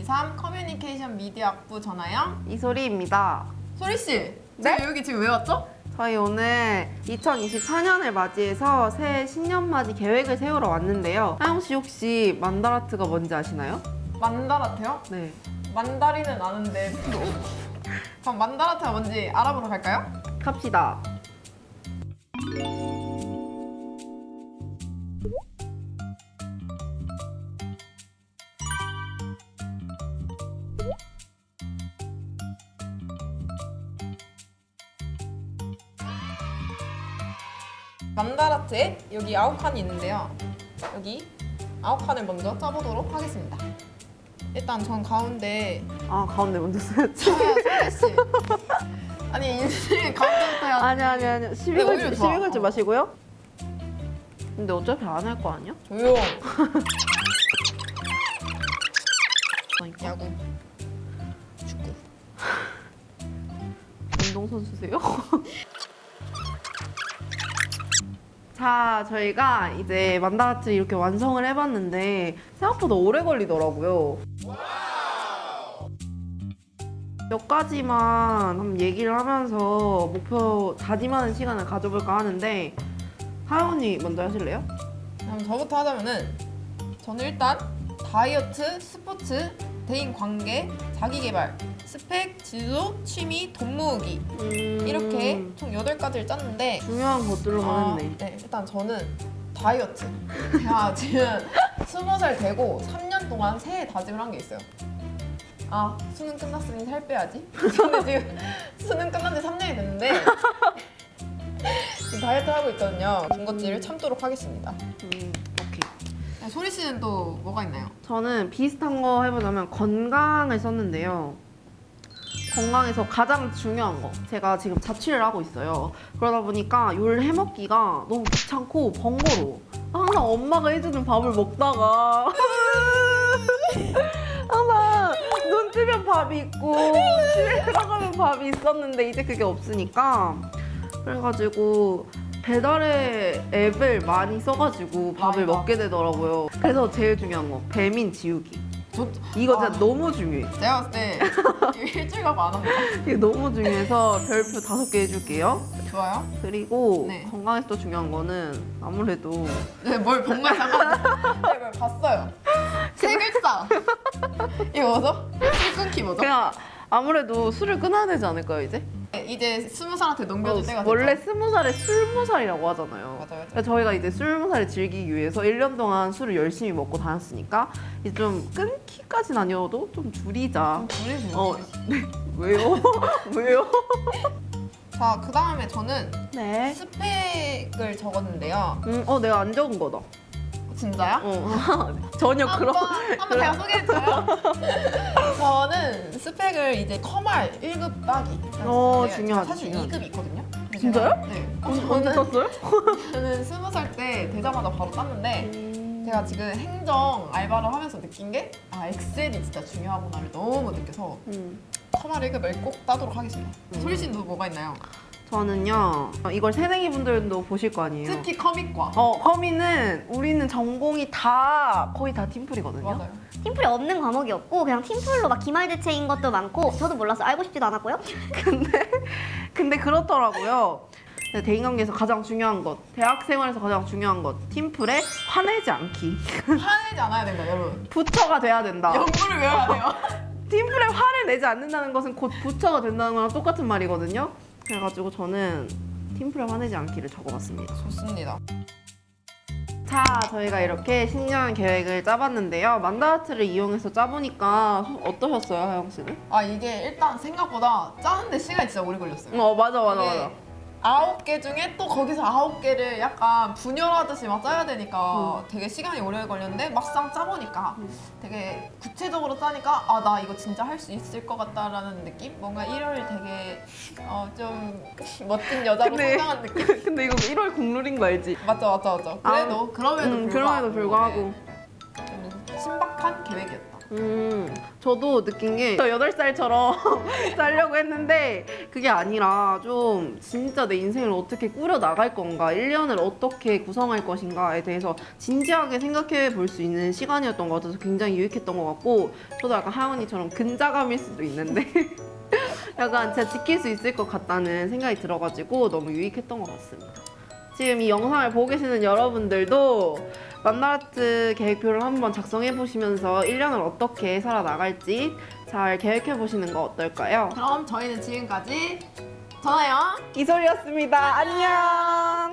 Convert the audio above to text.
2023 커뮤니케이션 미디어 학부 전하영 이소리입니다. 소리씨! 네? 저희 여기 지금 왜 왔죠? 저희 오늘 2024년을 맞이해서 새해 신년맞이 계획을 세우러 왔는데요. 하영 씨 혹시 만다라트가 뭔지 아시나요? 만다라트요? 네. 만다리는 아는데 그럼 만다라트가 뭔지 알아보러 갈까요? 갑시다. 만다라트에 여기 9칸이 있는데요. 여기 9칸을 먼저 짜보도록 하겠습니다. 일단 전 가운데 아, 가운데 먼저 써야지. 소리씨 아니 인생 가운데부터 해야지. 아니. 오히려 시비 좋아. 걸지 마시고요. 근데 어차피 안 할 거 아니야? 조용. 그러니까. 야구 축구 운동선수세요? 자, 저희가 이제 만다라트 이렇게 완성을 해봤는데 생각보다 오래 걸리더라고요. 몇 가지만 한번 얘기를 하면서 목표 다짐하는 시간을 가져볼까 하는데 하영 언니 먼저 하실래요? 그럼 저부터 하자면은 저는 일단 다이어트, 스포츠, 대인 관계, 자기개발, 스펙, 진로, 취미, 돈 모으기 이렇게 총 8가지를 짰는데 중요한 것들로만 했네. 네, 일단 저는 다이어트. 제가 지금 20살 되고 3년 동안 새해 다짐을 한 게 있어요. 아, 수능 끝났으니 살 빼야지. 저는 지금 수능 끝난 지 3년이 됐는데 지금 다이어트 하고 있거든요. 군것질을 참도록 하겠습니다. 오케이. 소리 씨는 또 뭐가 있나요? 저는 비슷한 거 해보자면 건강을 썼는데요. 건강에서 가장 중요한 거. 제가 지금 자취를 하고 있어요. 그러다 보니까 요리를 해먹기가 너무 귀찮고 번거로워. 항상 엄마가 해주는 밥을 먹다가 항상 눈 뜨면 밥이 있고 집에 들어가면 밥이 있었는데 이제 그게 없으니까 그래가지고 배달의 앱을 많이 써가지고 밥을 맞아. 먹게 되더라고요. 그래서 제일 중요한 거 배민 지우기. 이거 진짜 너무 중요해. 제가 봤을 때 이거 일주일 가고 안 합니다. 이게 너무 중요해서 별표 5개 해줄게요. 좋아요? 그리고 네. 건강에서 또 중요한 거는 아무래도 네, 뭘 정말 잠깐만요. 네, 이걸 봤어요. 세 글자. 이거 뭐죠? 술 끊기 뭐죠? 그냥 아무래도 술을 끊어야 되지 않을까요 이제? 네, 이제 20살한테 넘겨줄 때가 됐죠. 원래 20살에 술무살이라고 하잖아요. 맞아요. 그래서 저희가 이제 술무살을 즐기기 위해서 1년 동안 술을 열심히 먹고 다녔으니까 이제 좀 끊기까지는 아니어도 좀 줄이자. 둘이 어, 왜요? 왜요? 자, 그 다음에 저는 네. 스펙을 적었는데요. 내가 안 적은 거다. 진짜요? 전혀 그런. 한번 제가 소개해줘요. 저는 스펙을 이제 커말 1급 따기. 중요하지, 사실 중요하지. 2급이 있거든요. 근데 진짜요? 제가, 네. 언제 땄어요? 저는 20살 때 되자마자 바로 땄는데 제가 지금 행정 알바를 하면서 느낀 게 엑셀이 진짜 중요하구나를 너무 느껴서 커말 1급을 꼭 따도록 하겠습니다. 소리 씨는 또 뭐가 있나요? 저는요, 이걸 새내기 분들도 보실 거 아니에요? 특히 커밋과. 커미는 우리는 전공이 거의 다 팀플이거든요. 맞아요. 팀플이 없는 과목이 없고 그냥 팀플로 막 기말대체인 것도 많고 저도 몰랐어요. 알고 싶지도 않았고요. 근데 그렇더라고요. 네, 대인관계에서 가장 중요한 것, 대학 생활에서 가장 중요한 것, 팀플에 화내지 않기. 화내지 않아야 된다, 여러분. 부처가 돼야 된다. 연구를 외워야 돼요. 팀플에 화를 내지 않는다는 것은 곧 부처가 된다는 거랑 똑같은 말이거든요. 그래가지고 저는 팀플에 화내지 않기를 적어봤습니다. 좋습니다. 자, 저희가 이렇게 신년 계획을 짜봤는데요. 만다라트를 이용해서 짜보니까 어떠셨어요, 하영 씨는? 이게 일단 생각보다 짜는데 시간이 진짜 오래 걸렸어요. 맞아. 9개 중에 또 거기서 9개를 약간 분열하듯이 막 짜야 되니까 되게 시간이 오래 걸렸는데 막상 짜보니까 되게 구체적으로 짜니까 나 이거 진짜 할 수 있을 것 같다라는 느낌? 뭔가 1월 되게 좀 멋진 여자로 성장한 느낌? 근데 이거 1월 국룰인 거 알지? 맞죠. 그래도 그럼에도 불구하고 그럼에도 불구하고 네, 좀 신박한 계획이었다. 저도 느낀 게 저 8살처럼 살려고 했는데 그게 아니라 좀 진짜 내 인생을 어떻게 꾸려 나갈 건가, 1년을 어떻게 구성할 것인가에 대해서 진지하게 생각해 볼 수 있는 시간이었던 것 같아서 굉장히 유익했던 것 같고, 저도 약간 하은이처럼 근자감일 수도 있는데 약간 제가 지킬 수 있을 것 같다는 생각이 들어가지고 너무 유익했던 것 같습니다. 지금 이 영상을 보고 계시는 여러분들도 맘나라트 계획표를 한번 작성해 보시면서 1년을 어떻게 살아나갈지 잘 계획해 보시는 거 어떨까요? 그럼 저희는 지금까지 전화요. 이솔이었습니다. 안녕.